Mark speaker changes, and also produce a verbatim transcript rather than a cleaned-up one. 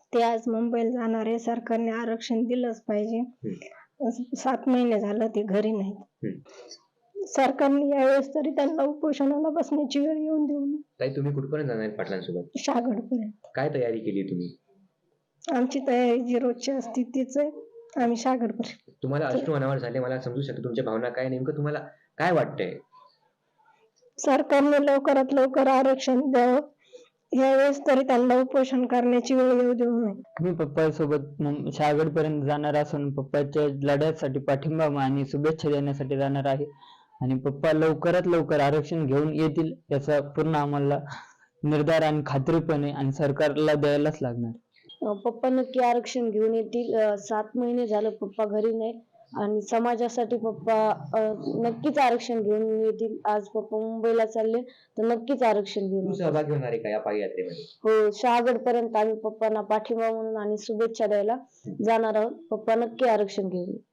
Speaker 1: ते आज मुंबईला जाणार आहे. सरकारने आरक्षण दिलंच पाहिजे.
Speaker 2: हम्म.
Speaker 1: सात महिने झालं ते घरी नाहीत.
Speaker 2: हम्म.
Speaker 1: सरकारने यावेळेस तरी त्यांना उपोषणाला बसण्याची वेळ येऊन देऊ नये.
Speaker 2: ताई, तुम्ही कुठपर्यंत जाणार आहेत पाटलांसोबत?
Speaker 1: शागडपर्यंत.
Speaker 2: काय तयारी केली तुम्ही?
Speaker 1: आमची तयारी जी रोजची असते तीच आहे. आम्ही शागडपर्यंत.
Speaker 2: तुम्हाला अश्रू अनावर झाले, मला समजू शकतो तुमच्या भावना काय. नेमकं तुम्हाला काय वाटतंय?
Speaker 1: सरकारने लवकरात लवकर आरक्षण द्यावं. यावेळेस तरी त्यांना उपोषण करण्याची वेळ येऊ देऊ नये.
Speaker 3: मी पप्पासोबत शहागड पर्यंत जाणार असून पप्पाच्या लढ्यासाठी पाठिंबा आणि शुभेच्छा देण्यासाठी जाणार आहे. आणि पप्पा लवकरात लवकर आरक्षण घेऊन येतील याचा पूर्ण आम्हाला निर्धार आणि खात्रीपणे आणि सरकारला द्यायलाच लागणार.
Speaker 4: पप्पा नक्की आरक्षण घेऊन येतील. सात महिने झालं पप्पा घरी नाही आणि समाजासाठी पप्पा नक्कीच आरक्षण घेऊन येतील. आज पप्पा मुंबईला चालले तर नक्कीच आरक्षण घेऊन
Speaker 2: तू सहभागी होणार आहे का या पाययात्रेमध्ये?
Speaker 4: हो, शहागड पर्यंत आम्ही पप्पांना पाठिंबा म्हणून आणि शुभेच्छा द्यायला जाणार आहोत. पप्पा नक्की आरक्षण घेऊन